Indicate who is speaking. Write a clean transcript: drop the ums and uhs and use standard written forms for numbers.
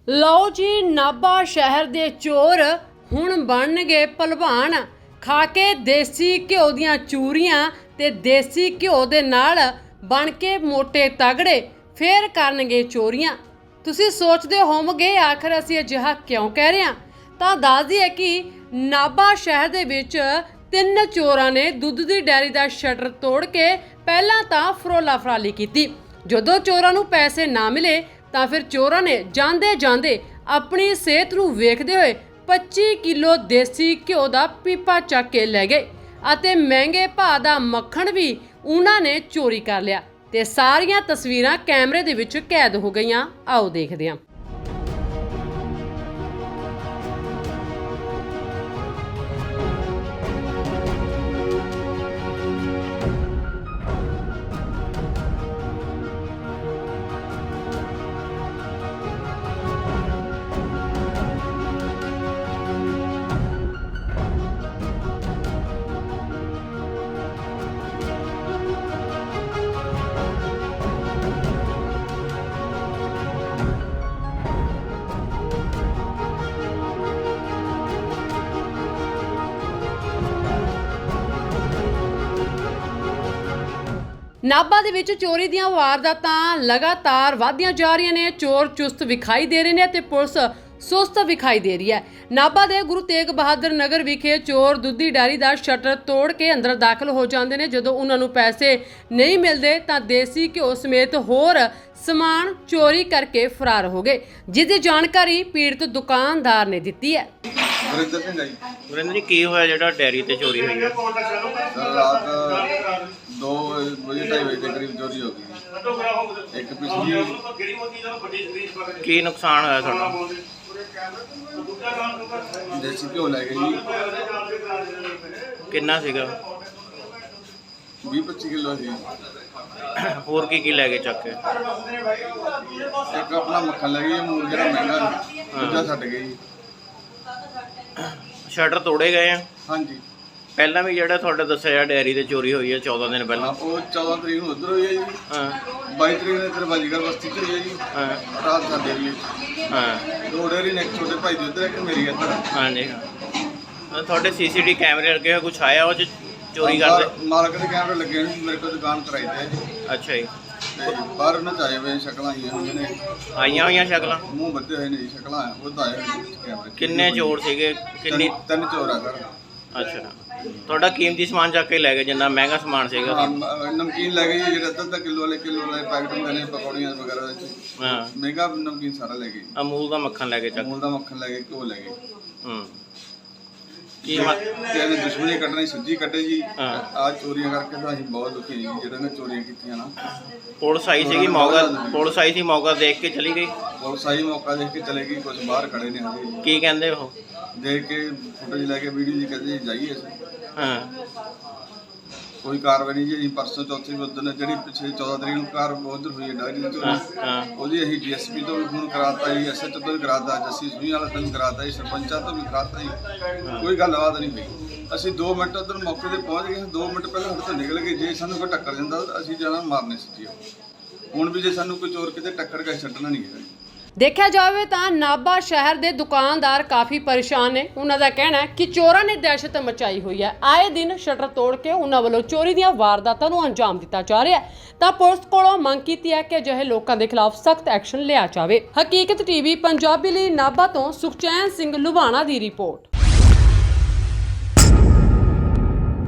Speaker 1: ਲਓ ਜੀ, ਨਾਭਾ ਸ਼ਹਿਰ ਦੇ ਚੋਰ ਹੁਣ ਬਣਨਗੇ ਭਲਵਾਨ। ਖਾ ਕੇ ਦੇਸੀ ਘਿਓ ਦੀਆਂ ਚੂਰੀਆਂ ਤੇ ਦੇਸੀ ਘਿਓ ਦੇ ਨਾਲ ਬਣ ਕੇ ਮੋਟੇ ਤਗੜੇ, ਫੇਰ ਕਰਨਗੇ ਚੋਰੀਆਂ। ਤੁਸੀਂ ਸੋਚਦੇ ਹੋਵੋਗੇ ਆਖਰ ਅਸੀਂ ਅਜਿਹਾ ਕਿਉਂ ਕਹਿ ਰਹੇ ਹਾਂ, ਤਾਂ ਦੱਸ ਦਈਏ ਕਿ ਨਾਭਾ ਸ਼ਹਿਰ ਦੇ ਵਿੱਚ 3 ਚੋਰਾਂ ਨੇ ਦੁੱਧ ਦੀ ਡੈਰੀ ਦਾ ਸ਼ਟਰ ਤੋੜ ਕੇ ਪਹਿਲਾਂ ਤਾਂ ਫਰੋਲਾ ਫਰਾਲੀ ਕੀਤੀ। ਜਦੋਂ ਚੋਰਾਂ ਨੂੰ ਪੈਸੇ ਨਾ ਮਿਲੇ ਤਾਂ ਫਿਰ ਚੋਰਾਂ ਨੇ ਜਾਂਦੇ ਜਾਂਦੇ ਆਪਣੀ ਸਿਹਤ ਨੂੰ ਵੇਖਦੇ ਹੋਏ 25 ਕਿਲੋ ਦੇਸੀ ਘਿਓ ਦਾ ਪੀਪਾ ਚੱਕ ਕੇ ਲੈ ਗਏ ਅਤੇ ਮਹਿੰਗੇ ਭਾਅ ਦਾ ਮੱਖਣ ਵੀ ਉਹਨਾਂ ਨੇ ਚੋਰੀ ਕਰ ਲਿਆ ਤੇ ਸਾਰੀਆਂ ਤਸਵੀਰਾਂ ਕੈਮਰੇ ਦੇ ਵਿੱਚ ਕੈਦ ਹੋ ਗਈਆਂ। ਆਓ ਦੇਖਦੇ ਹਾਂ। ਨਾਭਾ ਦੇ ਵਿੱਚ ਚੋਰੀ ਦੀਆਂ ਵਾਰਦਾਤਾਂ ਲਗਾਤਾਰ ਵਧਦੀਆਂ ਜਾ ਰਹੀਆਂ ਨੇ। ਚੋਰ ਚੁਸਤ ਵਿਖਾਈ ਦੇ ਰਹੇ ਨੇ ਤੇ ਪੁਲਿਸ ਸੁਸਤ ਵਿਖਾਈ ਦੇ ਰਹੀ ਹੈ। ਨਾਭਾ ਦੇ ਗੁਰੂ ਤੇਗ ਬਹਾਦਰ ਨਗਰ ਵਿਖੇ ਚੋਰ ਦੁੱਧੀ ਡੈਰੀ ਦਾ ਸ਼ਟਰ ਤੋੜ ਕੇ ਅੰਦਰ ਦਾਖਲ ਹੋ ਜਾਂਦੇ ਨੇ। ਜਦੋਂ ਉਹਨਾਂ ਨੂੰ ਪੈਸੇ ਨਹੀਂ ਮਿਲਦੇ ਤਾਂ ਦੇਸੀ ਘਿਓ ਸਮੇਤ ਹੋਰ ਸਮਾਨ ਚੋਰੀ ਕਰਕੇ ਫਰਾਰ ਹੋ ਗਏ, ਜਿਸ ਦੀ ਜਾਣਕਾਰੀ ਪੀੜਤ ਦੁਕਾਨਦਾਰ ਨੇ ਦਿੱਤੀ ਹੈ।
Speaker 2: ਵਰਿੰਦਰ ਜੀ, ਕੀ ਹੋਇਆ ਜਿਹੜਾ ਡੈਰੀ ਤੇ ਚੋਰੀ ਹੋਈ ਹੈ?
Speaker 3: ਰਾਤ 2 ਵਜੇ 2:30 ਵਜੇ ਦੇ ਕਰੀਬ ਚੋਰੀ ਹੋ ਗਈ। ਇੱਕ ਪਿਛਲੀ
Speaker 2: ਕੀ ਨੁਕਸਾਨ ਹੋਇਆ ਤੁਹਾਡਾ?
Speaker 3: ਦੇਸੀ ਘਿਓ ਲੈ ਗਏ ਜੀ,
Speaker 2: ਕਿੰਨਾ ਸੀਗਾ?
Speaker 3: 20-25 ਕਿਲੋ ਸੀ।
Speaker 2: ਹੋਰ ਕੀ ਲੈ ਗਏ ਚੱਕ ਕੇ?
Speaker 3: ਇੱਕ ਆਪਣਾ ਮੱਖਣ ਲੈ ਗਏ, ਮੂਲ ਜਿਹੜਾ ਮਹਿੰਗਾ ਦੂਜਾ ਛੱਡ ਗਏ ਜੀ।
Speaker 2: ਸ਼ਟਰ ਤੋੜੇ ਗਏ ਆ?
Speaker 3: ਹਾਂਜੀ।
Speaker 2: ਪਹਿਲਾਂ ਵੀ ਜਿਹੜਾ ਤੁਹਾਡਾ ਦੱਸਿਆ ਡੈਰੀ ਤੇ ਚੋਰੀ ਹੋਈ ਹੈ 14 ਦਿਨ ਪਹਿਲਾਂ?
Speaker 3: ਉਹ 14 ਤਰੀਕ ਨੂੰ ਉੱਧਰ ਹੋਈ ਹੈ ਜੀ।
Speaker 2: ਹਾਂ।
Speaker 3: 22 ਤਰੀਕ ਨੂੰ ਇੱਧਰ ਬਾਜੀਗਰ ਬਸਤੀ 'ਚ ਹੋਈ ਹੈ ਜੀ।
Speaker 2: ਹਾਂ।
Speaker 3: ਰਾਤ ਸਾਡੇ ਵੀ
Speaker 2: ਹਾਂ।
Speaker 3: 2 ਡੇਰੀ ਨੇ, ਇੱਕ ਛੋਟੇ ਭਾਈ ਦੀ ਉੱਧਰ, ਇੱਕ ਮੇਰੀ ਇੱਧਰ।
Speaker 2: ਹਾਂਜੀ ਹਾਂ। ਤੁਹਾਡੇ CCTV ਕੈਮਰੇ ਲੱਗੇ ਹੋਏ, ਕੁਛ ਆਇਆ ਉਹ 'ਚ ਚੋਰੀ ਕਰਦੇ?
Speaker 3: ਮਾਲਕ ਦੇ ਕੈਮਰੇ ਲੱਗੇ ਨੇ, ਮੇਰੇ ਕੋਲ ਦੁਕਾਨ ਕਰਾਈ ਤੇ ਜੀ।
Speaker 2: ਅੱਛਾ ਜੀ।
Speaker 3: ਤੇ ਬਾਹਰ ਉਹਨਾਂ 'ਚ ਆਏ ਹੋਏ ਸ਼ਕਲਾਂ ਆਈਆਂ ਹੋਈਆਂ ਨੇ,
Speaker 2: ਆਈਆਂ ਹੋਈਆਂ ਸ਼ਕਲਾਂ?
Speaker 3: ਮੂੰਹ ਬੱਧੇ ਹੋਏ ਨੇ ਜੀ, ਸ਼ਕਲਾਂ ਉਹ ਤਾਂ ਆਏ ਹੋਏ ਨੇ ਕੈਮਰੇ।
Speaker 2: ਕਿੰਨੇ ਚੋਰ ਸੀਗੇ? ਕਿੰਨੀ?
Speaker 3: 3 ਚੋਰ ਆ ਸਰ।
Speaker 2: ਅੱਛਾ। ਤੁਹਾਡਾ ਕੀਮਤੀ ਸਮਾਨ ਚੱਕ ਕੇ ਲੈ ਗਏ, ਜਿੰਨਾ ਮਹਿੰਗਾ ਸਮਾਨ ਸੀਗਾ?
Speaker 3: ਨਮਕੀਨ ਲੈ ਗਏ ਜੀ, ਜਿਹੜੇ ਅੱਧਾ ਕਿਲੋ ਵਾਲੇ ਪੈਕਟ ਹੁੰਦੇ ਨੇ, ਪਕੌੜੀਆਂ ਵਗੈਰਾ ਵਿੱਚ।
Speaker 2: ਹਾਂ।
Speaker 3: ਮਹਿੰਗਾ ਨਮਕੀਨ ਸਾਰਾ ਲੈ ਗਏ।
Speaker 2: ਅਮੂਲ ਦਾ ਮੱਖਣ ਲੈ ਕੇ ਚੱਕ?
Speaker 3: ਅਮੂਲ ਦਾ ਮੱਖਣ ਲੈ ਗਏ, ਘਿਓ ਲੈ ਗਏ।
Speaker 2: ਕੀ
Speaker 3: ਤੇ ਇਹਨੇ ਦੁਸ਼ਮਣੀ ਕੱਢਣੀ ਸਿੱਧੀ ਕੱਢੇ ਜੀ।
Speaker 2: ਹਾਂ।
Speaker 3: ਆ ਚੋਰੀਆਂ ਕਰਕੇ ਤਾਂ ਅਸੀਂ ਬਹੁਤ ਦੁਖੀ ਜੀ, ਜਿਹੜੇ ਨੇ ਚੋਰੀਆਂ ਕੀਤੀਆਂ ਨਾ।
Speaker 2: ਪੁਲਿਸ ਆਈ ਸੀਗੀ, ਪੁਲਿਸ ਆਈ ਸੀ, ਮੌਕਾ ਦੇਖ ਕੇ ਚਲੀ ਗਈ?
Speaker 3: ਪੁਲਿਸ ਆਈ, ਮੌਕਾ ਦੇਖ ਕੇ ਚਲੇ ਗਈ। ਕੁਝ ਬਾਹਰ ਖੜੇ ਨੇ ਹਜੇ।
Speaker 2: ਕੀ ਕਹਿੰਦੇ ਉਹ?
Speaker 3: ਦੇਖ ਕੇ ਫੋਟੋ ਲੈ ਕੇ ਵੀਡੀਓ ਜੀ ਕਹਿੰਦੇ ਜਾਈਏ ਅਸੀਂ।
Speaker 2: ਹਾਂ।
Speaker 3: ਕੋਈ ਕਾਰਵਾਈ ਨਹੀਂ ਜੀ। ਅਸੀਂ ਪਰਸੋਂ ਚੌਥੀ ਉਦੋਂ ਜਿਹੜੀ ਪਿਛਲੇ 14 ਤਰੀਕ ਨੂੰ ਕਾਰ ਉਧਰ ਹੋਈ ਹੈ ਡਾਇਰੀ ਦੀ ਚੋਰੀ, ਉਹਦੀ ਅਸੀਂ DSP ਤੋਂ ਵੀ ਫੋਨ ਕਰਾਤਾ ਜੀ, SHO ਤੋਂ ਵੀ ਕਰਾਤਾ, ਜੱਸੀ ਸੂਈ ਵਾਲਾ ਤੋਂ ਵੀ ਕਰਾਤਾ ਜੀ, ਸਰਪੰਚਾਂ ਤੋਂ ਵੀ ਕਰਾਤਾ ਜੀ। ਕੋਈ ਗੱਲਬਾਤ ਨਹੀਂ ਹੋਈ। ਅਸੀਂ 2 ਮਿੰਟ ਉੱਧਰ ਮੌਕੇ ਤੇ ਪਹੁੰਚ ਗਏ। 2 ਮਿੰਟ ਪਹਿਲਾਂ ਸਾਡੇ ਤੋਂ ਨਿਕਲ ਗਏ। ਜੇ ਸਾਨੂੰ ਕੋਈ ਟੱਕਰ ਜਾਂਦਾ ਤਾਂ ਅਸੀਂ ਜਾਣਾ ਮਾਰਨੇ ਸੀ ਜੀ। ਹੁਣ ਵੀ ਜੇ ਸਾਨੂੰ ਕੋਈ ਚੋਰ ਕਿਤੇ ਟੱਕਰ ਕੇ ਛੱਡਣਾ ਨਹੀਂ ਹੈਗਾ।
Speaker 1: ਦੇਖਿਆ ਜਾਵੇ ਤਾਂ ਨਾਭਾ ਸ਼ਹਿਰ ਦੇ ਦੁਕਾਨਦਾਰ ਕਾਫੀ ਪਰੇਸ਼ਾਨ ਨੇ। ਉਹਨਾਂ ਦਾ ਕਹਿਣਾ ਹੈ ਕਿ ਚੋਰਾਂ ਨੇ ਦਹਿਸ਼ਤ ਮਚਾਈ ਹੋਈ ਹੈ। ਆਏ ਦਿਨ ਸ਼ਟਰ ਤੋੜ ਕੇ ਉਹਨਾਂ ਵੱਲੋਂ ਚੋਰੀ ਦੀਆਂ ਵਾਰਦਾਤਾਂ ਨੂੰ ਅੰਜਾਮ ਦਿੱਤਾ ਜਾ ਰਿਹਾ ਹੈ। ਤਾਂ ਪੁਲਿਸ ਕੋਲੋਂ ਮੰਗ ਕੀਤੀ ਹੈ ਕਿ ਅਜਿਹੇ ਲੋਕਾਂ ਦੇ ਖਿਲਾਫ ਸਖਤ ਐਕਸ਼ਨ ਲਿਆ ਜਾਵੇ। ਹਕੀਕਤ TV ਪੰਜਾਬੀ ਲਈ ਨਾਭਾ ਤੋਂ ਸੁਖਚੈਨ ਸਿੰਘ ਲੁਬਾਣਾ ਦੀ ਰਿਪੋਰਟ।